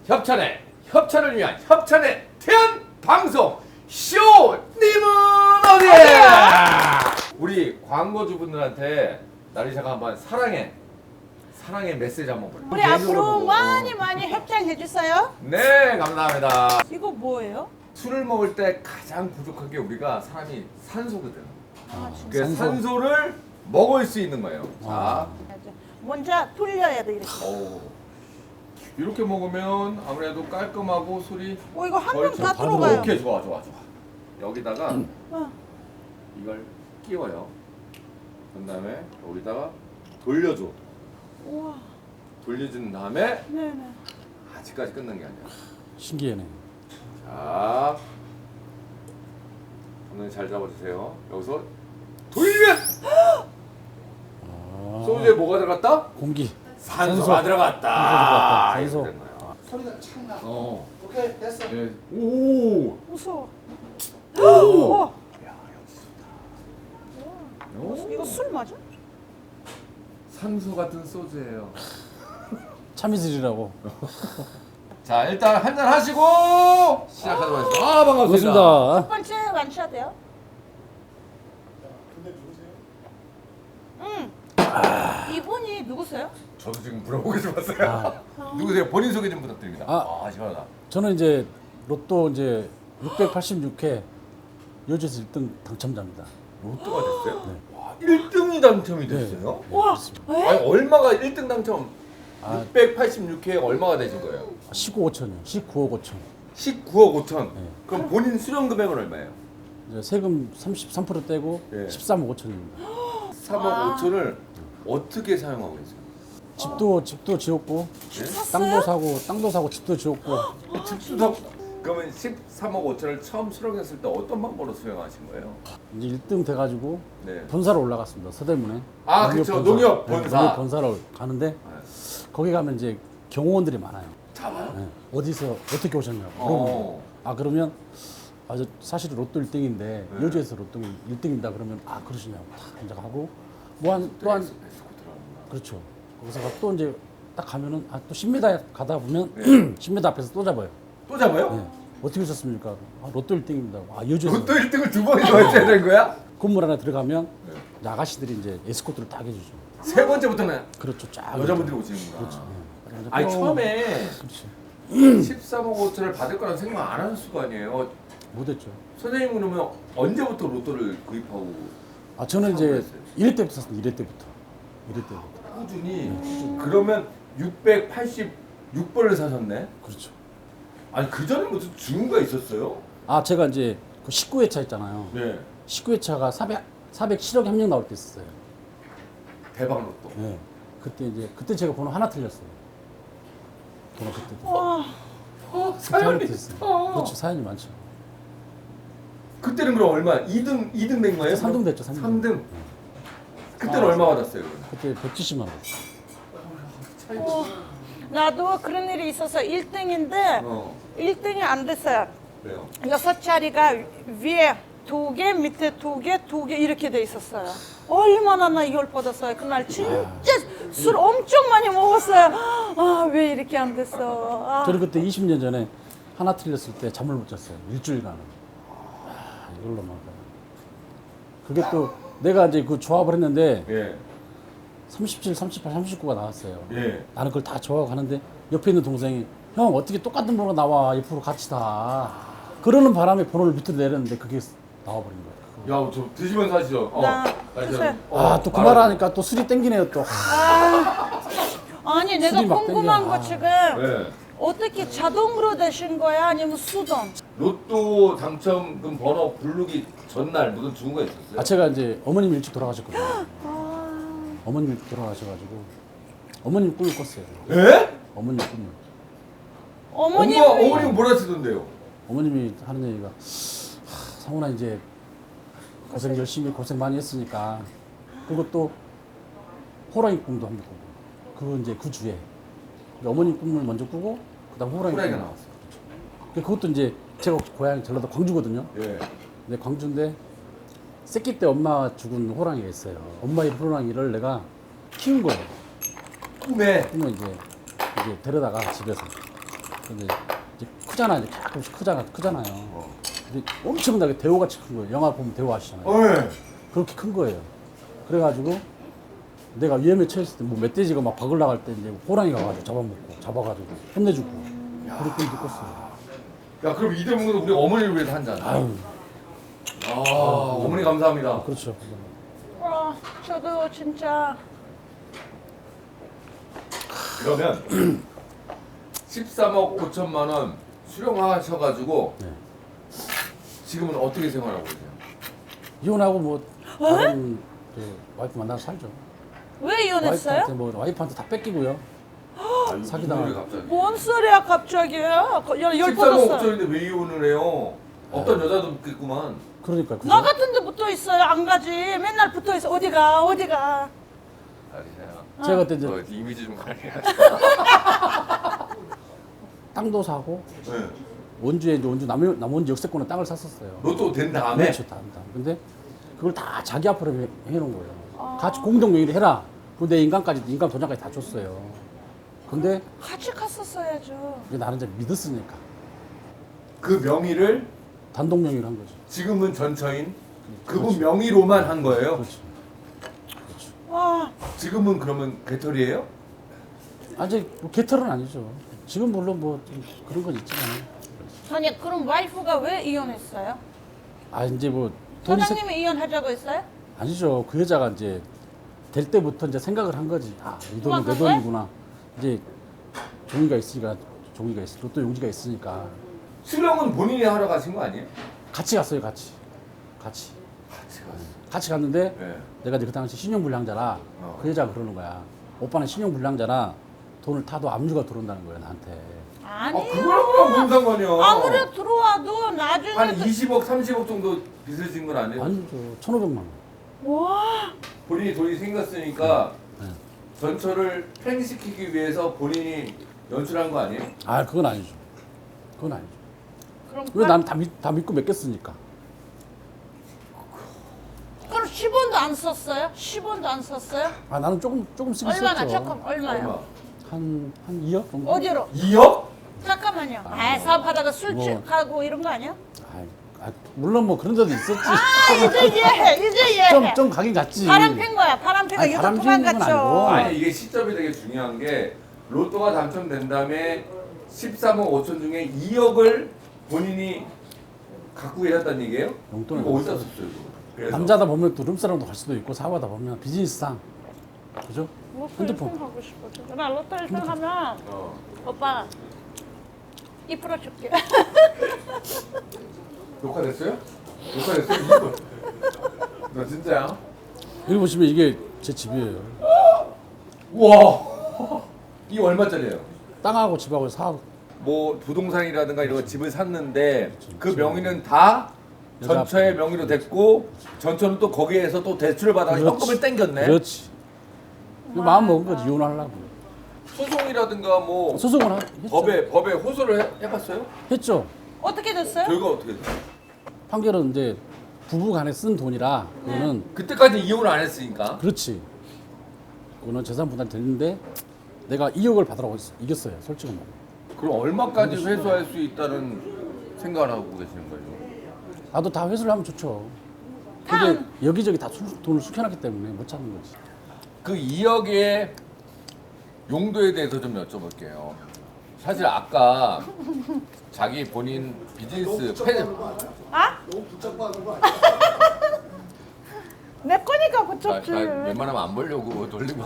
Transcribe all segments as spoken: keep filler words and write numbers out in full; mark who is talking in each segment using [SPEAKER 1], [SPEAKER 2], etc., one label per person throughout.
[SPEAKER 1] 협찬의 협찬을 위한 협찬의 태연 방송 쇼님은 어디에? 우리 광고주분들한테 나리샤가 한번 사랑해 사랑의 메시지 한번 보내.
[SPEAKER 2] 우리 앞으로 많이 많이 협찬해 주세요.
[SPEAKER 1] 네, 감사합니다.
[SPEAKER 2] 이거 뭐예요?
[SPEAKER 1] 술을 먹을 때 가장 부족한 게 우리가 사람이 산소거든.
[SPEAKER 2] 아, 진짜.
[SPEAKER 1] 그
[SPEAKER 3] 산소.
[SPEAKER 1] 산소를 먹을 수 있는 거예요. 자,
[SPEAKER 3] 아.
[SPEAKER 2] 먼저 돌려야 돼 이렇게.
[SPEAKER 1] 오. 이렇게 먹으면 아무래도 깔끔하고 술이
[SPEAKER 2] 어 이거 한
[SPEAKER 1] 거의
[SPEAKER 2] 명 다
[SPEAKER 3] 다
[SPEAKER 2] 들어가요.
[SPEAKER 1] 오케이, 좋아 좋아 좋아. 여기다가
[SPEAKER 2] 어.
[SPEAKER 1] 이걸 끼워요. 그다음에 여기다가 돌려줘.
[SPEAKER 2] 우와.
[SPEAKER 1] 돌려준 다음에
[SPEAKER 2] 네네.
[SPEAKER 1] 아직까지 끝난 게 아니야.
[SPEAKER 3] 신기하네.
[SPEAKER 1] 자, 오늘 잘 잡아주세요. 여기서 돌려.
[SPEAKER 3] 아,
[SPEAKER 1] 소주에 뭐가 들어갔다?
[SPEAKER 3] 공기.
[SPEAKER 1] 산소가 들어갔다.
[SPEAKER 3] 산소.
[SPEAKER 1] 이렇게 된 거야.
[SPEAKER 4] 소리가 착 나.
[SPEAKER 1] 어.
[SPEAKER 4] 오케이 됐어.
[SPEAKER 1] 예. 오.
[SPEAKER 2] 무서워.
[SPEAKER 1] 오.
[SPEAKER 2] 우와.
[SPEAKER 1] 오.
[SPEAKER 2] 이거 술 맞아?
[SPEAKER 1] 산소 같은 소주예요.
[SPEAKER 3] 참이슬이라고.
[SPEAKER 1] 자, 일단 한잔 하시고 시작하도록 하겠습니다. 아, 반갑습니다.
[SPEAKER 3] 반갑습니다.
[SPEAKER 2] 첫 번째 완샷이요?
[SPEAKER 4] 근데 누구세요?
[SPEAKER 2] 응. 이분이 누구세요?
[SPEAKER 1] 저도 지금 물어보고 싶었어요. 누구세요? 본인 소개 좀 부탁드립니다. 아,
[SPEAKER 3] 아.
[SPEAKER 1] 시원하다.
[SPEAKER 3] 저는 이제 로또 이제 육백팔십육 회 여주에서 일 등 당첨자입니다.
[SPEAKER 1] 로또가 됐어요?
[SPEAKER 3] 네.
[SPEAKER 1] 와, 일 등이 당첨이
[SPEAKER 3] 네.
[SPEAKER 1] 됐어요?
[SPEAKER 2] 와. 에?
[SPEAKER 1] 아니, 얼마가 일 등 당첨?
[SPEAKER 3] 아.
[SPEAKER 1] 육백팔십육 회에 얼마가 되신 거예요?
[SPEAKER 3] 십구 오천이요. 십구억 오천.
[SPEAKER 1] 십구억 오천.
[SPEAKER 3] 네.
[SPEAKER 1] 그럼 본인 수령 금액은 얼마예요?
[SPEAKER 3] 이제 세금 삼십삼 퍼센트 떼고
[SPEAKER 1] 예.
[SPEAKER 3] 십삼억 오천입니다.
[SPEAKER 1] 삼억
[SPEAKER 2] 아.
[SPEAKER 1] 오천을 어떻게 사용하고 계세요?
[SPEAKER 3] 집도 집도 지었고
[SPEAKER 1] 네?
[SPEAKER 3] 땅도 사고 땅도 사고 집도 지었고
[SPEAKER 1] 집도 사고. 그러면 십삼억 오천을 처음 수령했을 때 어떤 방법으로 수령하신 거예요?
[SPEAKER 3] 이제 일 등 돼가지고
[SPEAKER 1] 네.
[SPEAKER 3] 본사로 올라갔습니다. 서대문에.
[SPEAKER 1] 아, 그쵸. 농협
[SPEAKER 3] 네,
[SPEAKER 1] 본사.
[SPEAKER 3] 농협 본사로 가는데 거기 가면 이제 경호원들이 많아요.
[SPEAKER 1] 잡아요?
[SPEAKER 3] 네. 어디서 어떻게 오셨냐고
[SPEAKER 1] 어.
[SPEAKER 3] 물어보고 아 그러면 아, 저 사실 로또 일 등인데
[SPEAKER 1] 네.
[SPEAKER 3] 여주에서 로또 일 등입니다. 그러면 아 그러시냐고 딱 이제 하고 뭐한 또한
[SPEAKER 1] 에스코 들어가는구나.
[SPEAKER 3] 그렇죠. 거기서 또 이제 딱 가면은 아, 또 십 미터 가다 보면
[SPEAKER 1] 네.
[SPEAKER 3] 십 미터 앞에서 또 잡아요.
[SPEAKER 1] 또 잡아요?
[SPEAKER 3] 네. 어떻게 오셨습니까? 아, 로또 일 등입니다. 아 여주에서
[SPEAKER 1] 로또 일 등을 두 번이나 했어야 되는 거야?
[SPEAKER 3] 건물 안에 들어가면
[SPEAKER 1] 네.
[SPEAKER 3] 이제 아가씨들이 이제 에스코트를 딱 해주죠.
[SPEAKER 1] 세 번째부터는
[SPEAKER 3] 그렇죠. 쫙
[SPEAKER 1] 여자분들이
[SPEAKER 3] 이렇게.
[SPEAKER 1] 오시는구나.
[SPEAKER 3] 그렇죠. 네. 이제
[SPEAKER 1] 아니
[SPEAKER 3] 뿅.
[SPEAKER 1] 처음에
[SPEAKER 3] 그렇지.
[SPEAKER 1] 십삼억 오천을 받을 거라는 생각 안 하셨을 거 아니에요.
[SPEAKER 3] 못했죠.
[SPEAKER 1] 선생님 그러면 언제부터 로또를 구입하고
[SPEAKER 3] 아 저는
[SPEAKER 1] 사고
[SPEAKER 3] 이제
[SPEAKER 1] 그랬어요?
[SPEAKER 3] 일 회 때부터 샀습니다. 일 회 때부터. 일 회 때부터.
[SPEAKER 1] 꾸준히 그러면 육백팔십육 번을 사셨네?
[SPEAKER 3] 그렇죠.
[SPEAKER 1] 아니 그 전에 무슨 주문가 있었어요?
[SPEAKER 3] 아 제가 이제 그 십구 회차 있잖아요.
[SPEAKER 1] 네.
[SPEAKER 3] 십구 회차가 사백 사백칠억이 한 명 나올 때 있었어요.
[SPEAKER 1] 대박 로또.
[SPEAKER 3] 네. 그때 이제 그때 제가 번호 하나 틀렸어요. 번호 그때도.
[SPEAKER 2] 와.
[SPEAKER 1] 어,
[SPEAKER 3] 그때 하나
[SPEAKER 1] 사연이
[SPEAKER 3] 틀렸어요.
[SPEAKER 1] 있어.
[SPEAKER 3] 그렇죠. 사연이 많죠.
[SPEAKER 1] 그때는 그럼 얼마? 이 등 이 등 된 거예요?
[SPEAKER 3] 삼 등 됐죠. 삼 등.
[SPEAKER 1] 삼 등. 그때는 얼마 받았어요? 그러면?
[SPEAKER 3] 그때 백칠십만 원.
[SPEAKER 1] 차이
[SPEAKER 2] 어. 나도 그런 일이 있어서 일 등인데
[SPEAKER 1] 어.
[SPEAKER 2] 일 등이 안 됐어요.
[SPEAKER 1] 그래요.
[SPEAKER 2] 여섯 자리가 위에 두 개, 밑에 두 개, 두 개 이렇게 돼 있었어요. 얼마나 나 이걸 받았어요. 그날 진짜 술 엄청 많이 먹었어요. 아, 왜 이렇게 안 됐어. 아.
[SPEAKER 3] 저는 그때 이십 년 전에 하나 틀렸을 때 잠을 못 잤어요. 일주일간은. 아, 이걸로 막. 그게 또 내가 이제 그 조합을 했는데
[SPEAKER 1] 예.
[SPEAKER 3] 삼십칠, 삼십팔, 삼십구가 나왔어요.
[SPEAKER 1] 예.
[SPEAKER 3] 나는 그걸 다 좋아하고 하는데 옆에 있는 동생이 형 어떻게 똑같은 번호가 나와 옆으로 같이 다 그러는 바람에 번호를 밑으로 내렸는데 그게 나와버린 거예요.
[SPEAKER 1] 야, 저 드시면서 하시죠. 어.
[SPEAKER 2] 나
[SPEAKER 1] 아니,
[SPEAKER 2] 드세요.
[SPEAKER 1] 어,
[SPEAKER 3] 아 또 그
[SPEAKER 1] 알았어.
[SPEAKER 3] 말 하니까 또 술이 땡기네요 또.
[SPEAKER 2] 아니, 내가
[SPEAKER 3] 술이 막
[SPEAKER 2] 궁금한
[SPEAKER 3] 땡겨.
[SPEAKER 2] 거
[SPEAKER 3] 아.
[SPEAKER 2] 지금
[SPEAKER 1] 네.
[SPEAKER 2] 어떻게 자동으로 되신 거야? 아니면 수동?
[SPEAKER 1] 로또 당첨금 번호 부르기 전날 무슨 주문가 있었어요?
[SPEAKER 3] 아 제가 이제 어머님 일찍 돌아가셨거든요.
[SPEAKER 2] 아,
[SPEAKER 3] 어머님 일찍 돌아가셔가지고 어머님 꿈을 꿨어요.
[SPEAKER 1] 예?
[SPEAKER 3] 어머님 꿈을.
[SPEAKER 2] 어머님.
[SPEAKER 1] 엄마 어머니가 뭐라 하시던데요?
[SPEAKER 3] 어머님이 하는 얘기가 하, 상훈아 이제 고생 열심히 고생 많이 했으니까 그리고 또 호랑이 꿈도 한번 꾸고 그거 이제 그 주에 어머님 꿈을 먼저 꾸고 그다음 호랑이
[SPEAKER 1] 호랑이가
[SPEAKER 3] 꿈.
[SPEAKER 1] 나왔어요.
[SPEAKER 3] 그것도 이제 제가 고향 전라도 광주거든요.
[SPEAKER 1] 예.
[SPEAKER 3] 근데 광주인데 새끼 때 엄마 죽은 호랑이가 있어요. 엄마의 호랑이를 내가 키운 거예요.
[SPEAKER 1] 꿈에
[SPEAKER 3] 꿈을 이제 이제 데려다가 집에서 근데 이제 크잖아, 이제 조금씩 크잖아, 크잖아요.
[SPEAKER 1] 어.
[SPEAKER 3] 근데 엄청나게 대호같이 큰 거예요. 영화 보면 대호 아시잖아요.
[SPEAKER 1] 어, 예.
[SPEAKER 3] 그렇게 큰 거예요. 그래가지고 내가 위험에 처했을 때 뭐 멧돼지가 막 박을 나갈 때 이제 호랑이가 와가지고 잡아먹고 잡아가지고 혼내주고 그렇게 느꼈어요.
[SPEAKER 1] 야, 그럼 이대문은 우리 어머니를 위해서 한 잔.
[SPEAKER 3] 아유,
[SPEAKER 1] 아, 어머니 감사합니다.
[SPEAKER 3] 그렇죠.
[SPEAKER 2] 아, 저도 진짜
[SPEAKER 1] 그러면 십삼억 오천만 원 수령하셔가지고
[SPEAKER 3] 네.
[SPEAKER 1] 지금은 어떻게 생활하고 계세요?
[SPEAKER 3] 이혼하고 뭐 다른 그 와이프 만나서 살죠.
[SPEAKER 2] 왜 이혼했어요?
[SPEAKER 3] 와이프한테 뭐 와이프한테 다 뺏기고요.
[SPEAKER 1] 아유,
[SPEAKER 3] 사기당하고.
[SPEAKER 1] 무슨 일이 갑자기?
[SPEAKER 2] 뭔 소리야 갑자기요? 그 열, 열
[SPEAKER 1] 십삼억
[SPEAKER 2] 뻗었어.
[SPEAKER 1] 오천인데 왜 이혼을 해요? 어떤 여자도 없겠구만.
[SPEAKER 3] 그러니까 그죠?
[SPEAKER 2] 나 같은데 붙어 있어요. 안 가지. 맨날 붙어 있어. 어디가 어디가.
[SPEAKER 1] 아니야.
[SPEAKER 3] 제가 그때 이제
[SPEAKER 1] 너 이미지 좀 관리해.
[SPEAKER 3] 땅도 사고
[SPEAKER 1] 네.
[SPEAKER 3] 원주에 이제 원주 남 남원주 역세권에 땅을 샀었어요.
[SPEAKER 1] 로또 된 다음에
[SPEAKER 3] 그렇죠, 다, 다. 근데 그걸 다 자기 앞으로 해, 해놓은 거예요. 같이 공동 명의로 해라. 그리고 내 인감까지 인감 도장까지 다 줬어요. 근데
[SPEAKER 2] 같이 갔었어야죠.
[SPEAKER 3] 이제 나는 이제 믿었으니까
[SPEAKER 1] 그 명의를
[SPEAKER 3] 단독 명의로 한 거죠.
[SPEAKER 1] 지금은 전처인 그분
[SPEAKER 3] 그렇죠.
[SPEAKER 1] 명의로만 한 거예요.
[SPEAKER 3] 그렇죠. 그렇죠.
[SPEAKER 2] 와,
[SPEAKER 1] 지금은 그러면 개털이에요?
[SPEAKER 3] 아직 뭐 개털은 아니죠. 지금 물론 뭐 좀 그런 건 있지만,
[SPEAKER 2] 아니 그럼 와이프가 왜 이혼했어요?
[SPEAKER 3] 아 이제 뭐 돈이 세...
[SPEAKER 2] 사장님이 이혼하자고 했어요?
[SPEAKER 3] 아니죠. 그 여자가 이제 될 때부터 이제 생각을 한 거지. 아, 이 돈은 내
[SPEAKER 2] 그만 갈
[SPEAKER 3] 돈이구나. 이제 종이가 있으니까 종이가 있, 로또 용지가 있으니까
[SPEAKER 1] 수령은 본인이 하러 가신 거 아니에요?
[SPEAKER 3] 같이 갔어요. 같이, 같이,
[SPEAKER 1] 같이 갔어.
[SPEAKER 3] 같이 갔는데
[SPEAKER 1] 네.
[SPEAKER 3] 내가 이제 그 당시 신용불량자라
[SPEAKER 1] 어.
[SPEAKER 3] 그 여자가 그러는 거야. 오빠는 신용불량자라 돈을 타도 압류가 들어온다는 거예요 나한테.
[SPEAKER 1] 아,
[SPEAKER 2] 아니요.
[SPEAKER 1] 그거랑 뭔 상관이야?
[SPEAKER 2] 아무리 들어와도 나중에
[SPEAKER 1] 한
[SPEAKER 2] 그-
[SPEAKER 1] 이십억, 삼십억 정도 빚을 진 건 아니에요?
[SPEAKER 3] 아니죠. 천오백만 원.
[SPEAKER 2] 와,
[SPEAKER 1] 본인이 돈이 생겼으니까
[SPEAKER 3] 네.
[SPEAKER 1] 전처를 팽시키기 위해서 본인이 연출한 거 아니에요?
[SPEAKER 3] 아 그건 아니죠. 그건 아니죠.
[SPEAKER 2] 그럼
[SPEAKER 3] 왜 나는 다, 믿, 다 믿고 맡겼으니까.
[SPEAKER 2] 그럼 십 원도 안 썼어요? 십 원도 안 썼어요?
[SPEAKER 3] 아 나는 조금 조금씩
[SPEAKER 2] 얼마나
[SPEAKER 3] 있었죠.
[SPEAKER 2] 조금 얼마요?
[SPEAKER 1] 얼마?
[SPEAKER 3] 한한 이억 정도.
[SPEAKER 2] 어디로?
[SPEAKER 1] 이억?
[SPEAKER 2] 잠깐만요. 아, 사업하다가 술
[SPEAKER 3] 뭐.
[SPEAKER 2] 취하고 이런 거 아니야?
[SPEAKER 3] 아, 아, 물론 뭐 그런 데도 있었지.
[SPEAKER 2] 아, 이제 이해해. 이제 이해해.
[SPEAKER 3] 좀 좀 가긴 갔지.
[SPEAKER 2] 바람 핀 거야. 바람 피가
[SPEAKER 3] 아니,
[SPEAKER 2] 유독
[SPEAKER 3] 바람
[SPEAKER 2] 그만
[SPEAKER 3] 피는 건
[SPEAKER 2] 갔죠.
[SPEAKER 3] 아니고.
[SPEAKER 1] 아니 이게 시점이 되게 중요한 게 로또가 당첨된 다음에 십삼억 오천 중에 이억을 본인이 갖고 계셨다는 얘기예요?
[SPEAKER 3] 용돈을
[SPEAKER 1] 이거 어디다 썼어요? 이거? 그래서
[SPEAKER 3] 남자다 보면 또 룸사랑도 갈 수도 있고 사업하다 보면 비즈니스상 그죠?
[SPEAKER 2] 로또
[SPEAKER 3] 핸드폰.
[SPEAKER 2] 일 등 하고 싶어서. 나 로또 일 등 하면
[SPEAKER 1] 어.
[SPEAKER 2] 오빠 이 퍼센트 줄게.
[SPEAKER 1] 녹화됐어요? 녹화됐어요? 이거. 너 진짜야?
[SPEAKER 3] 여기 보시면 이게 제 집이에요.
[SPEAKER 1] 우와 이게 얼마짜리예요?
[SPEAKER 3] 땅하고 집하고 사업
[SPEAKER 1] 뭐 부동산이라든가 이런 거 집을 샀는데 그 명의는 다
[SPEAKER 3] 여자
[SPEAKER 1] 전처의
[SPEAKER 3] 앞에.
[SPEAKER 1] 명의로 됐고 전처는 또 거기에서 또 대출을 받아서
[SPEAKER 3] 그렇지.
[SPEAKER 1] 현금을 땡겼네.
[SPEAKER 3] 그렇지. 마음 먹은 거지 이혼하려고.
[SPEAKER 1] 소송이라든가 뭐
[SPEAKER 3] 소송을 하, 했죠.
[SPEAKER 1] 법에 법에 호소를 해, 해봤어요?
[SPEAKER 3] 했죠.
[SPEAKER 2] 어떻게 됐어요?
[SPEAKER 1] 결과 어떻게 됐어요?
[SPEAKER 3] 판결은 이제 부부간에 쓴 돈이라 그거는
[SPEAKER 1] 그때까지 이혼을 안 했으니까.
[SPEAKER 3] 그렇지. 그거는 재산 분할 됐는데 내가 이억을 받으라고 했- 이겼어요. 솔직히 말해.
[SPEAKER 1] 그럼 얼마까지 회수할 수 있다는 생각을 하고 계시는 거죠?
[SPEAKER 3] 나도 다 회수를 하면 좋죠.
[SPEAKER 2] 다
[SPEAKER 3] 근데 여기저기 다 수- 돈을 숙여놨기 때문에 못 찾는 거지.
[SPEAKER 1] 그 이억의 용도에 대해서 좀 여쭤볼게요. 사실 아까 자기 본인 비즈니스 팬
[SPEAKER 2] 아? 내 거니까
[SPEAKER 1] 나,
[SPEAKER 2] 그쳤지.
[SPEAKER 1] 나 웬만하면 안 보려고 돌리고.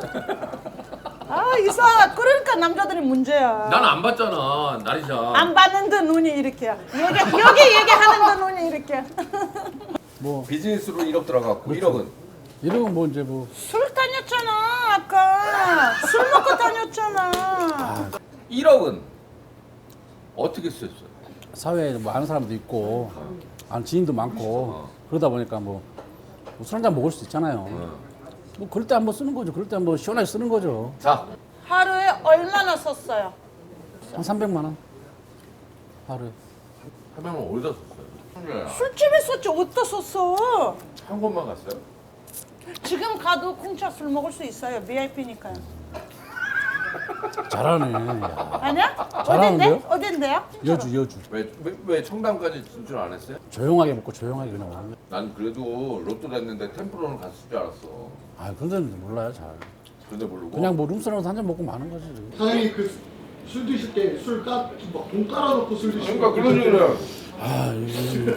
[SPEAKER 2] 아 이상하. 그러니까 남자들이 문제야.
[SPEAKER 1] 난 안 봤잖아, 나리샤.
[SPEAKER 2] 안 봤는데 눈이 이렇게. 여기 여기 얘기하는데 눈이 이렇게.
[SPEAKER 3] 뭐
[SPEAKER 1] 비즈니스로 일억 들어갔고
[SPEAKER 3] 그렇죠.
[SPEAKER 1] 일억은
[SPEAKER 3] 이러면 뭐 이제 뭐
[SPEAKER 2] 술 다녔잖아 아까. 술 먹고 다녔잖아.
[SPEAKER 1] 일억은 어떻게 쓰였어요?
[SPEAKER 3] 사회에 뭐 아는 사람도 있고 아는 지인도 많고 그러다 보니까 뭐, 뭐 술 한잔 먹을 수 있잖아요. 뭐 그럴 때 한번 쓰는 거죠. 그럴 때 한번 시원하게 쓰는 거죠.
[SPEAKER 1] 자,
[SPEAKER 2] 하루에 얼마나 썼어요?
[SPEAKER 3] 한 삼백만 원 하루에.
[SPEAKER 1] 하면 어디다 썼어요?
[SPEAKER 2] 술집에 썼지 어디다 썼어?
[SPEAKER 1] 한 곳만 갔어요?
[SPEAKER 2] 지금 가도 공짜 술 먹을 수 있어요. 브이아이피니까요.
[SPEAKER 3] 잘하네. 야.
[SPEAKER 2] 아니야?
[SPEAKER 3] 잘하는데요?
[SPEAKER 2] 어딘데? 어딘데요?
[SPEAKER 3] 여주 여주.
[SPEAKER 1] 왜, 왜, 왜 청담까지 진출 안 했어요?
[SPEAKER 3] 조용하게 먹고 조용하게 그냥 먹는 거야.
[SPEAKER 1] 난 그래도 로또 됐는데 템플로는 갔을 줄 알았어.
[SPEAKER 3] 아 그런 데는 몰라요 잘.
[SPEAKER 1] 근데 모르고.
[SPEAKER 3] 그냥 뭐 룸사롱에서 한 잔 먹고 마는 거지.
[SPEAKER 4] 사장님 그 술 드실 때 술 까, 막돈 깔아놓고 술 드시고
[SPEAKER 1] 그러니까 그런 얘기를.
[SPEAKER 3] 아 이거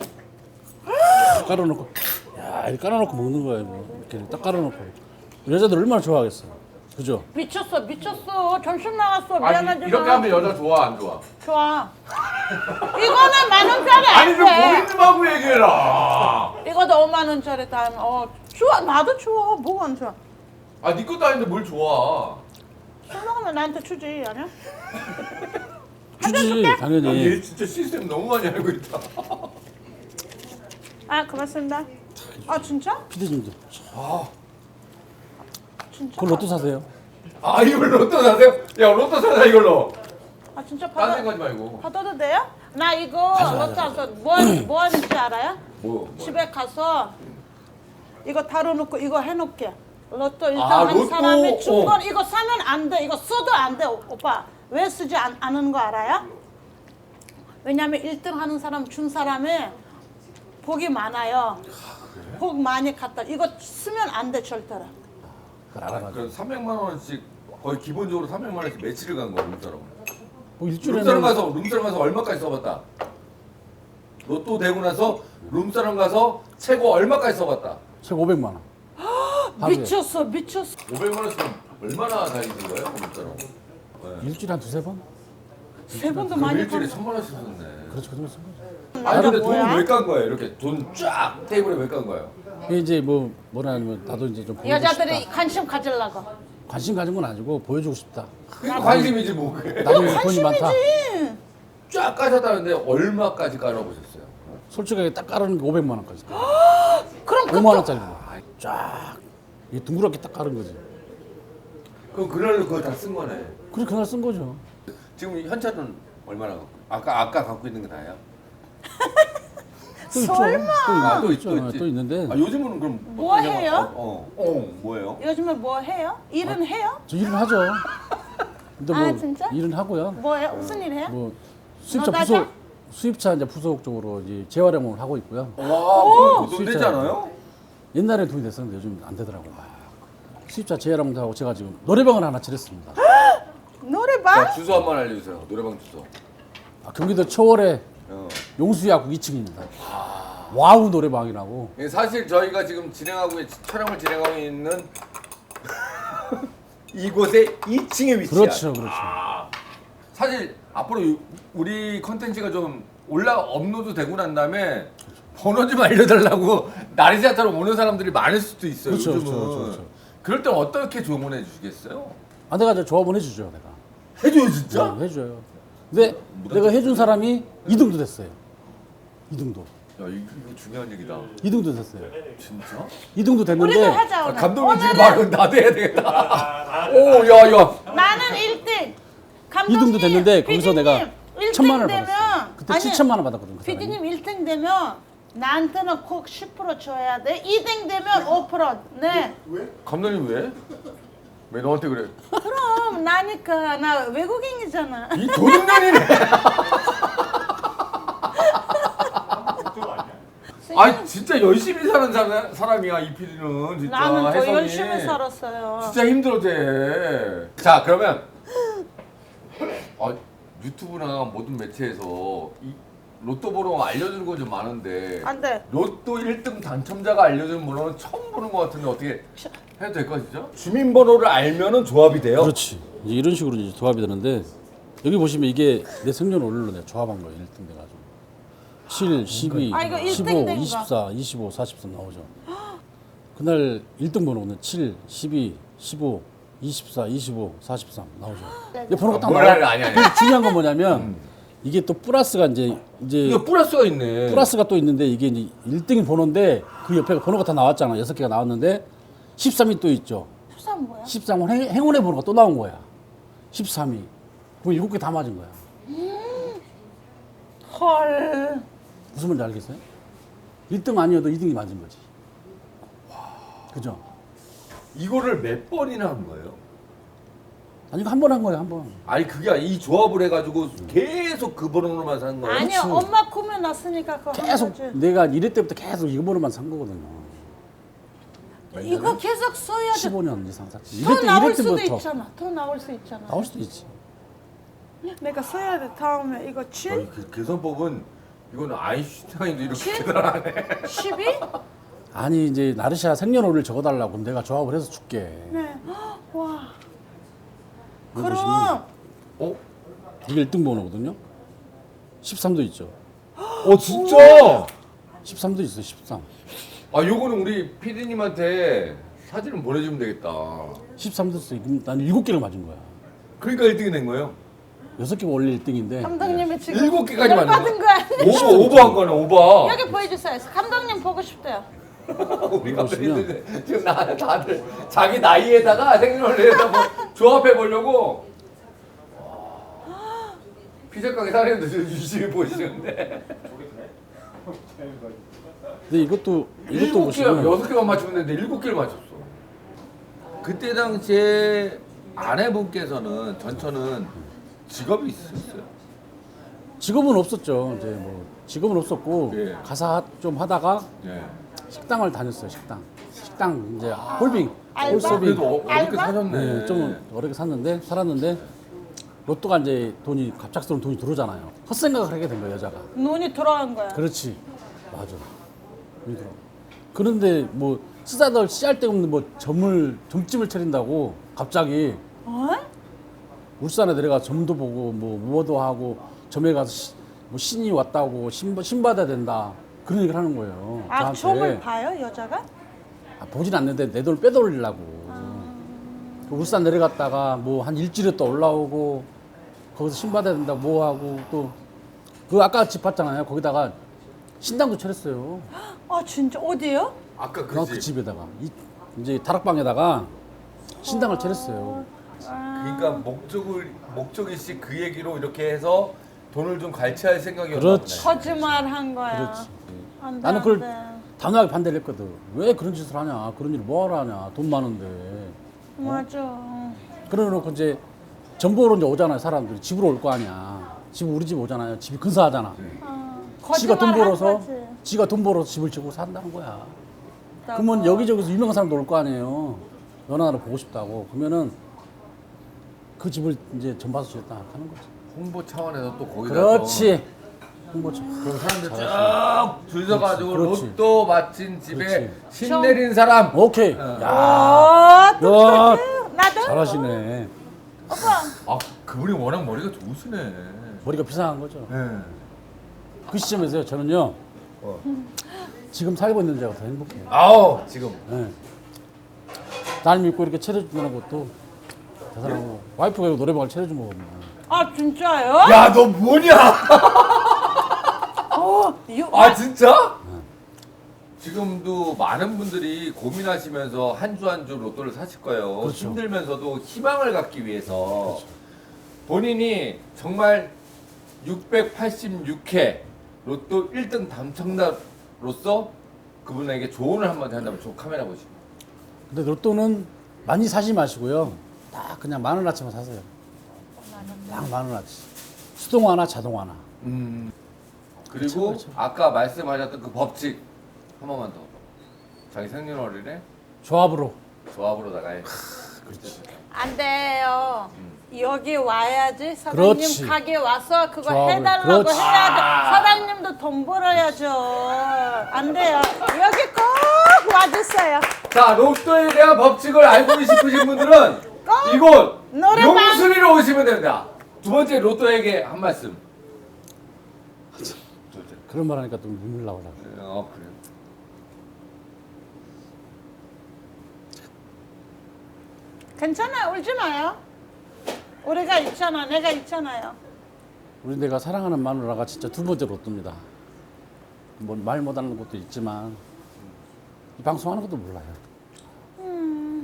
[SPEAKER 3] 깔아놓고 야 이렇게 깔아놓고 먹는 거야 이거. 이렇게 딱 깔아놓고 여자들 얼마나 좋아하겠어. 그죠?
[SPEAKER 2] 미쳤어, 미쳤어. 점심 나갔어.
[SPEAKER 1] 아니
[SPEAKER 2] 미안하지만.
[SPEAKER 1] 이렇게 하면 여자 좋아 안 좋아?
[SPEAKER 2] 좋아. 이거는 만 원짜리
[SPEAKER 1] 아니
[SPEAKER 2] 안
[SPEAKER 1] 좀
[SPEAKER 2] 돼.
[SPEAKER 1] 고객님하고 얘기해라.
[SPEAKER 2] 이거도 오만 원짜리 다 하면 어 좋아. 나도 좋아. 뭐가 안 좋아?
[SPEAKER 1] 아 네 것도 아닌데 뭘 좋아?
[SPEAKER 2] 술 먹으면 나한테 주지 아니야?
[SPEAKER 3] 주지
[SPEAKER 1] 아,
[SPEAKER 3] 당연히.
[SPEAKER 1] 얘 진짜 시스템 너무 많이 알고 있다.
[SPEAKER 2] 아 고맙습니다. 아 진짜?
[SPEAKER 3] 피디님도
[SPEAKER 1] 아,
[SPEAKER 2] 진짜?
[SPEAKER 3] 그걸 로또 사세요.
[SPEAKER 1] 아 이걸 로또 사세요? 야 로또 사자 이걸로.
[SPEAKER 2] 아 진짜
[SPEAKER 1] 딴
[SPEAKER 2] 받아
[SPEAKER 1] 생각하지 말고.
[SPEAKER 2] 받아도 돼요? 나 이거 로또 사서 뭐, 뭐 하는지 알아요?
[SPEAKER 1] 뭐? 뭐.
[SPEAKER 2] 집에 가서 이거 다뤄놓고 이거 해놓게. 로또 일등
[SPEAKER 1] 아,
[SPEAKER 2] 한
[SPEAKER 1] 로또?
[SPEAKER 2] 사람이 준
[SPEAKER 1] 어.
[SPEAKER 2] 건 이거 사면 안 돼. 이거 써도 안 돼. 오빠 왜 쓰지 않, 않은 거 알아요? 왜냐면 일 등 하는 사람 준 사람이 복이 많아요. 복 많이 갖다. 이거 쓰면 안 돼 절대로.
[SPEAKER 3] 그걸
[SPEAKER 1] 아,
[SPEAKER 3] 알아가지고.
[SPEAKER 1] 그럼 삼백만 원씩 거의 기본적으로 삼백만 원씩 며칠을 간 거야 룸사롱.
[SPEAKER 3] 뭐
[SPEAKER 1] 룸사롱
[SPEAKER 3] 일주일에는
[SPEAKER 1] 가서 룸사롱 가서 얼마까지 써봤다? 로또 되고 나서 룸사롱 가서 최고 얼마까지 써봤다?
[SPEAKER 3] 최고 오백만 원. 하루에.
[SPEAKER 2] 미쳤어, 미쳤어.
[SPEAKER 1] 오백만 원 쓰면 얼마나 다니는 거예요 룸사롱? 네.
[SPEAKER 3] 일주일에 한 두세 번?
[SPEAKER 2] 세 번도
[SPEAKER 1] 그럼
[SPEAKER 2] 많이
[SPEAKER 1] 일주일에
[SPEAKER 2] 번.
[SPEAKER 1] 천만 원씩 썼네.
[SPEAKER 3] 그렇죠 그 정도 쓴 거죠.
[SPEAKER 1] 아니 근데
[SPEAKER 2] 뭐야?
[SPEAKER 1] 돈을 왜 깐 거예요? 이렇게 돈 쫙 테이블에 왜 깐 거예요?
[SPEAKER 3] 이게 이제 뭐 뭐라 하면 나도 이제 좀 보여주고
[SPEAKER 2] 여자들이
[SPEAKER 3] 싶다.
[SPEAKER 2] 관심 가지려고.
[SPEAKER 3] 관심 가진 건 아니고 보여주고 싶다.
[SPEAKER 1] 그러니까 관심이지 뭐 그게.
[SPEAKER 3] 나중에 돈이 많다.
[SPEAKER 2] 관심이지.
[SPEAKER 1] 쫙 까셨다는데 얼마까지 깔아보셨어요?
[SPEAKER 3] 솔직하게 딱 깔아놓은 게 오백만 원까지.
[SPEAKER 2] 그럼 그
[SPEAKER 3] 오만 원짜리로. 쫙. 이게 둥그렇게 딱 깔은 거지.
[SPEAKER 1] 그럼 그날로 그걸 다 쓴 거네.
[SPEAKER 3] 그래 그날 쓴 거죠.
[SPEAKER 1] 지금 현찰은 얼마나 갖고? 아까 아까 갖고 있는 게 다예요?
[SPEAKER 3] 또 있죠.
[SPEAKER 2] 설마.
[SPEAKER 3] 또, 있-
[SPEAKER 1] 아, 또
[SPEAKER 3] 또
[SPEAKER 1] 있-
[SPEAKER 3] 있죠.
[SPEAKER 1] 또 있지.
[SPEAKER 3] 또 있는데
[SPEAKER 1] 아 요즘은 그럼
[SPEAKER 2] 뭐
[SPEAKER 1] 어떤 영화-
[SPEAKER 2] 해요?
[SPEAKER 1] 어, 어, 어 뭐예요?
[SPEAKER 2] 요즘에 뭐 해요? 일은 해요?
[SPEAKER 3] 저 일은 하죠. 근데 뭐
[SPEAKER 2] 아, 진짜?
[SPEAKER 3] 일은 하고요.
[SPEAKER 2] 뭐 해요? 무슨 일 해요?
[SPEAKER 3] 뭐 수입차
[SPEAKER 2] 너
[SPEAKER 3] 부속
[SPEAKER 2] 나가?
[SPEAKER 3] 수입차 이제 부속 쪽으로 이제 재활용을 하고 있고요.
[SPEAKER 1] 와, 그거 돈
[SPEAKER 3] 수입자.
[SPEAKER 1] 되잖아요?
[SPEAKER 3] 옛날에 돈이 됐었는데 요즘 안 되더라고요. 수입차 재활용도 하고 제가 지금 노래방을 하나 차렸습니다.
[SPEAKER 2] 노래방?
[SPEAKER 1] 자 주소 한번 알려주세요. 노래방 주소.
[SPEAKER 3] 아, 경기도 초월에
[SPEAKER 1] 어.
[SPEAKER 3] 용수야구 이 층입니다. 와우 노래방이라고.
[SPEAKER 1] 예, 사실 저희가 지금 진행하고 있- 촬영을 진행하고 있는 이곳의 이 층에 위치한.
[SPEAKER 3] 그렇죠, 그렇죠.
[SPEAKER 1] 사실 앞으로 유- 우리 컨텐츠가 좀 올라 업로드 되고 난 다음에 번호 좀 알려달라고 나리자처럼 오는 사람들이 많을 수도 있어요.
[SPEAKER 3] 그렇죠,
[SPEAKER 1] 요즘은.
[SPEAKER 3] 그렇죠, 그렇죠, 그렇죠.
[SPEAKER 1] 그럴 땐 어떻게 조언해 주시겠어요?
[SPEAKER 3] 아, 내가 저 조합원 해주죠, 내가.
[SPEAKER 1] 해줘요 진짜?
[SPEAKER 3] 네, 해줘요. 근데 내가 해준 사람이 이 등도 됐어요. 이 등도.
[SPEAKER 1] 야 이거, 이거 중요한 얘기다.
[SPEAKER 3] 이 등도 됐어요.
[SPEAKER 1] 진짜?
[SPEAKER 3] 이 등도
[SPEAKER 2] 우리도
[SPEAKER 3] 됐는데
[SPEAKER 2] 하자
[SPEAKER 1] 아,
[SPEAKER 2] 오늘.
[SPEAKER 1] 감독님 지금
[SPEAKER 2] 오늘은
[SPEAKER 1] 말은 나도 해야 되겠다. 오, 야, 야.
[SPEAKER 2] 나는 일 등.
[SPEAKER 3] 이
[SPEAKER 2] 감독님,
[SPEAKER 3] 등도 됐는데 거기서 내가
[SPEAKER 2] 일 등
[SPEAKER 3] 천만 원을
[SPEAKER 2] 되면
[SPEAKER 3] 받았어요. 그때
[SPEAKER 2] 아니,
[SPEAKER 3] 칠천만 원 받았거든. 그 사람이.
[SPEAKER 2] 피디님 일 등 되면 나한테는 꼭 십 퍼센트 줘야 돼. 이 등 되면 오 퍼센트. 네.
[SPEAKER 1] 감독님 왜? 왜 너한테 그래?
[SPEAKER 2] 그럼 나니까 나 외국인이잖아.
[SPEAKER 1] 이 도둑년이네. 아 진짜 열심히 사는 사람, 사람이야 이 피디는 진짜.
[SPEAKER 2] 나는 더
[SPEAKER 1] 혜성이.
[SPEAKER 2] 열심히 살았어요.
[SPEAKER 1] 진짜 힘들어대. 자 그러면 아, 유튜브나 모든 매체에서 이 로또 번호 알려주는 거 좀 많은데
[SPEAKER 2] 안 돼.
[SPEAKER 1] 로또 일 등 당첨자가 알려주는 번호는 처음 보는 것 같은데 어떻게 해도 될 것이죠? 주민번호를 알면은 조합이 돼요.
[SPEAKER 3] 그렇지. 이제 이런 식으로 이제 조합이 되는데 여기 보시면 이게 내 생년월일로 내가 조합한 거예요. 일 등 돼가지고 칠, 십이,
[SPEAKER 2] 아, 이거 일 등
[SPEAKER 3] 십오,
[SPEAKER 2] 된 거.
[SPEAKER 3] 이십사, 이십오, 사십삼 나오죠. 그날 일 등 번호는 칠, 십이, 십오, 이십사, 이십오, 사십삼 나오죠. 이 번호가 딱
[SPEAKER 1] 뭐라
[SPEAKER 3] 나와.
[SPEAKER 1] 아니 아니.
[SPEAKER 3] 근데 중요한 건 뭐냐면 이게 또 플러스가 이제 이제
[SPEAKER 1] 이거 플러스가 있네.
[SPEAKER 3] 플러스가 또 있는데 이게 이제 일 등이 번호인데 그 옆에 번호가 다 나왔잖아. 여섯 개가 나왔는데 십삼이 또 있죠.
[SPEAKER 2] 수산 뭐야?
[SPEAKER 3] 십삼은 행, 행운의 번호가 또 나온 거야. 십삼이. 그럼 일곱 개 다 맞은 거야.
[SPEAKER 2] 헐.
[SPEAKER 3] 무슨 말인지 알겠어요? 일 등 아니어도 이 등이 맞은 거지. 그죠?
[SPEAKER 1] 이거를 몇 번이나 한 거예요?
[SPEAKER 3] 아니 이거 한 번 한 거예요 한 번.
[SPEAKER 1] 아니 그게 아니, 이 조합을 해가지고 계속 그 번호로만 산 거예요?
[SPEAKER 2] 아니요,
[SPEAKER 3] 그렇지.
[SPEAKER 2] 엄마 꾸며놨으니까 그거 한
[SPEAKER 3] 계속
[SPEAKER 2] 거지.
[SPEAKER 3] 내가 이럴 때부터 계속 이거 번호만 산 거거든요.
[SPEAKER 2] 이거 계속 써야 돼.
[SPEAKER 3] 십오 년 이상 샀지.
[SPEAKER 2] 더
[SPEAKER 3] 이럴 때
[SPEAKER 2] 나올
[SPEAKER 3] 이럴
[SPEAKER 2] 수도
[SPEAKER 3] 때부터
[SPEAKER 2] 있잖아. 더 나올 수 있잖아.
[SPEAKER 3] 나올 수도 있지.
[SPEAKER 2] 내가 써야 돼. 다음에 이거 칠,
[SPEAKER 1] 아니, 그 계산법은 이거는 아인슈타인도 이렇게
[SPEAKER 2] 칠?
[SPEAKER 1] 계산하네.
[SPEAKER 2] 십이?
[SPEAKER 3] 아니 이제 나르샤 생년월일 적어달라고 그럼 내가 조합을 해서 줄게.
[SPEAKER 2] 네. 헉, 와.
[SPEAKER 3] 이거
[SPEAKER 2] 그럼
[SPEAKER 1] 어?
[SPEAKER 3] 이게 일 등 번호거든요. 십삼도 있죠.
[SPEAKER 1] 어 진짜?
[SPEAKER 3] 십삼도 있어 십삼.
[SPEAKER 1] 아 요거는 우리 피디님한테 사진을 보내주면 되겠다.
[SPEAKER 3] 십삼도 있어. 그럼 난 일곱 개를 맞은 거야.
[SPEAKER 1] 그러니까 일 등이 된 거예요?
[SPEAKER 3] 여섯 개가 원래 일 등인데
[SPEAKER 2] 감독님이 지금
[SPEAKER 1] 일곱 개까지 맞는
[SPEAKER 2] 받은 거 아니에요?
[SPEAKER 1] 오버 오버한 거네 오버.
[SPEAKER 2] 여기 보여주세요. 감독님 보고 싶대요.
[SPEAKER 1] 우리 감독님들 지금 나 다들 자기 나이에다가 생년월일에다 뭐 조합해 보려고. 피자 가게 사장님도 지금 유심히 보시는데.
[SPEAKER 3] 근데 이것도 이것도
[SPEAKER 1] 일곱 개
[SPEAKER 3] 보시면
[SPEAKER 1] 여섯 개만 맞추면 되는데 일곱 개를 맞췄어. 그때 당시에 아내분께서는 전처는 직업이 있으셨어요?
[SPEAKER 3] 직업은 없었죠. 이제 뭐 직업은 없었고
[SPEAKER 1] 예.
[SPEAKER 3] 가사 좀 하다가
[SPEAKER 1] 예.
[SPEAKER 3] 식당을 다녔어요. 식당. 식당 이제 홀빙,
[SPEAKER 2] 알바?
[SPEAKER 3] 홀서빙.
[SPEAKER 1] 그래도 어, 어렵게
[SPEAKER 2] 알바?
[SPEAKER 1] 사셨네.
[SPEAKER 3] 네, 좀 어렵게 샀는데 살았는데 로또가 이제 돈이 갑작스러운 돈이 들어오잖아요. 헛생각을 하게 된 거예요, 여자가.
[SPEAKER 2] 눈이 돌아간 거야.
[SPEAKER 3] 그렇지. 맞아. 돈이 들어. 그런데 뭐 쓰다들 씨알 데 없는 뭐 점을 점집을 차린다고 갑자기
[SPEAKER 2] 어?
[SPEAKER 3] 울산에 내려가 점도 보고 뭐 무어도 하고 점에 가서 시, 뭐 신이 왔다고 신, 신 받아야 된다 그런 얘기를 하는 거예요.
[SPEAKER 2] 아, 점을 봐요, 여자가?
[SPEAKER 3] 아, 보진 않는데 내 돈을 빼돌리려고. 그 울산 내려갔다가 뭐 한 일주일에 또 올라오고 거기서 신 받아야 된다 뭐 하고 또 그 아까 집 봤잖아요. 거기다가 신당도 차렸어요.
[SPEAKER 2] 아, 진짜 어디요?
[SPEAKER 1] 아까
[SPEAKER 3] 그,
[SPEAKER 1] 그
[SPEAKER 3] 그
[SPEAKER 1] 집.
[SPEAKER 3] 집에다가 이, 이제 다락방에다가 신당을 차렸어요.
[SPEAKER 1] 그러니까 목적을 목적일시 그 얘기로 이렇게 해서 돈을 좀 갈취할 생각이었나
[SPEAKER 3] 그렇지.
[SPEAKER 1] 보네.
[SPEAKER 2] 거짓말 한 거야.
[SPEAKER 3] 그렇지.
[SPEAKER 2] 안 돼,
[SPEAKER 3] 나는
[SPEAKER 2] 안
[SPEAKER 3] 그걸
[SPEAKER 2] 돼.
[SPEAKER 3] 단호하게 반대를 했거든. 왜 그런 짓을 하냐? 그런 일을 뭐하러 하냐? 돈 많은데.
[SPEAKER 2] 맞아.
[SPEAKER 3] 그러놓고 이제 정보로 이제 오잖아요. 사람들이 집으로 올 거 아니야. 집 우리 집 오잖아요. 집이 근사하잖아.
[SPEAKER 2] 어,
[SPEAKER 3] 지가 돈
[SPEAKER 2] 거짓말 한
[SPEAKER 3] 벌어서
[SPEAKER 2] 거지.
[SPEAKER 3] 지가 돈 벌어서 집을 지고 산다는 거야. 그러면 여기저기서 유명한 사람도 올 거 아니에요. 너나 나를 보고 싶다고. 그러면은 그 집을 이제 전봐서 지었다 하는 거지.
[SPEAKER 1] 홍보 차원에서 또 거기다
[SPEAKER 3] 그렇지. 홍보처.
[SPEAKER 1] 그럼 사람들 쭉줄 서가지고
[SPEAKER 3] 그렇지.
[SPEAKER 1] 로또 맞힌 집에
[SPEAKER 3] 그렇지.
[SPEAKER 1] 신 내린 사람.
[SPEAKER 3] 오케이.
[SPEAKER 1] 어.
[SPEAKER 3] 야,
[SPEAKER 2] 아,
[SPEAKER 3] 야,
[SPEAKER 2] 똑똑해. 나도.
[SPEAKER 3] 잘하시네.
[SPEAKER 2] 오빠.
[SPEAKER 1] 아 그분이 워낙 머리가 좋으시네.
[SPEAKER 3] 머리가 비상한 거죠.
[SPEAKER 1] 네.
[SPEAKER 3] 그 시점에서요. 저는요.
[SPEAKER 1] 어.
[SPEAKER 3] 지금 살고 있는 데가 더 행복해요.
[SPEAKER 1] 아우 지금.
[SPEAKER 3] 네. 날 믿고 이렇게 차려준다는 것도 대단하고 와이프가 이거 노래방을 차려준 거거든요.
[SPEAKER 2] 아, 진짜요?
[SPEAKER 1] 야 너 뭐냐?
[SPEAKER 2] 어, 이거
[SPEAKER 1] 아 진짜? 지금도 많은 분들이 고민하시면서 한 주 한 주 로또를 사실 거예요.
[SPEAKER 3] 그렇죠.
[SPEAKER 1] 힘들면서도 희망을 갖기 위해서 본인이 정말 육백팔십육 회 로또 일 등 당첨자로서 그분에게 조언을 한마디 한다면 저 카메라 보시고.
[SPEAKER 3] 근데 로또는 많이 사지 마시고요. 딱 그냥 만 원어치만 사세요. 딱 만 원어치. 수동화나 자동화나.
[SPEAKER 1] 음. 그리고
[SPEAKER 3] 그렇죠, 그렇죠.
[SPEAKER 1] 아까 말씀하셨던 그 법칙 한 번만 더. 자기 생년월일에
[SPEAKER 3] 조합으로.
[SPEAKER 1] 조합으로다가 해.
[SPEAKER 3] 그렇지.
[SPEAKER 2] 안 돼요. 여기 와야지. 사장님
[SPEAKER 3] 그렇지.
[SPEAKER 2] 가게 와서 그거
[SPEAKER 3] 조합을.
[SPEAKER 2] 해달라고
[SPEAKER 3] 그렇지.
[SPEAKER 2] 해야죠. 사장님도 돈 벌어야죠. 안 돼요. 여기 꼭 와주세요.
[SPEAKER 1] 자, 로또에 대한 법칙을 알고 싶으신 분들은
[SPEAKER 2] 꼭
[SPEAKER 1] 이곳
[SPEAKER 2] 노래방.
[SPEAKER 1] 용수리로 오시면 됩니다. 두 번째 로또에게 한 말씀.
[SPEAKER 3] 그런 말 하니까 또 눈물 나오려고.
[SPEAKER 1] 어, 그래요.
[SPEAKER 2] 괜찮아요. 울지 마요. 우리가 있잖아. 내가 있잖아요.
[SPEAKER 3] 우리 내가 사랑하는 마누라가 진짜 두 번째 로또입니다. 뭐 말 못하는 것도 있지만 이 방송하는 것도 몰라요.
[SPEAKER 2] 음,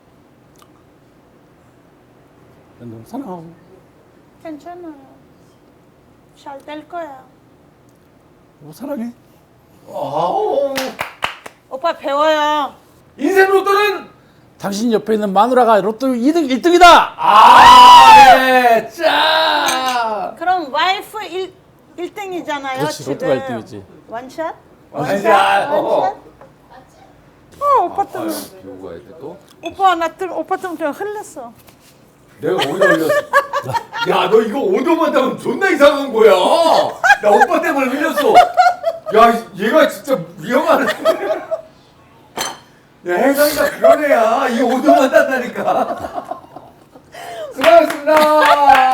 [SPEAKER 3] 너무 사랑하고
[SPEAKER 2] 괜찮아요. 잘 될 거야.
[SPEAKER 3] 뭐 사랑해.
[SPEAKER 1] 아우.
[SPEAKER 2] 오빠 배워요.
[SPEAKER 1] 인생 로또는
[SPEAKER 3] 당신 옆에 있는 마누라가 로또 이 등 일 등이다.
[SPEAKER 1] 아, 네. 짜.
[SPEAKER 2] 그럼 와이프 일, 일 등이잖아요.
[SPEAKER 3] 그렇지,
[SPEAKER 2] 지금.
[SPEAKER 3] 로또가 일 등이지.
[SPEAKER 2] 원샷?
[SPEAKER 1] 원샷. 어.
[SPEAKER 2] 원샷? 어, 오빠 때문에.
[SPEAKER 1] 비우고 해야 돼 또.
[SPEAKER 2] 오빠 나 때, 오빠 때문에 그냥 흘렸어.
[SPEAKER 1] 내가 오늘 흘렸어. 야, 너 이거 오도만 따면 존나 이상한 거야. 나 오빠 때문에 흘렸어. 야, 얘가 진짜 위험한. 야, 혜성이가 그런 애야. 이 오도만 딴다니까. 수고하셨습니다.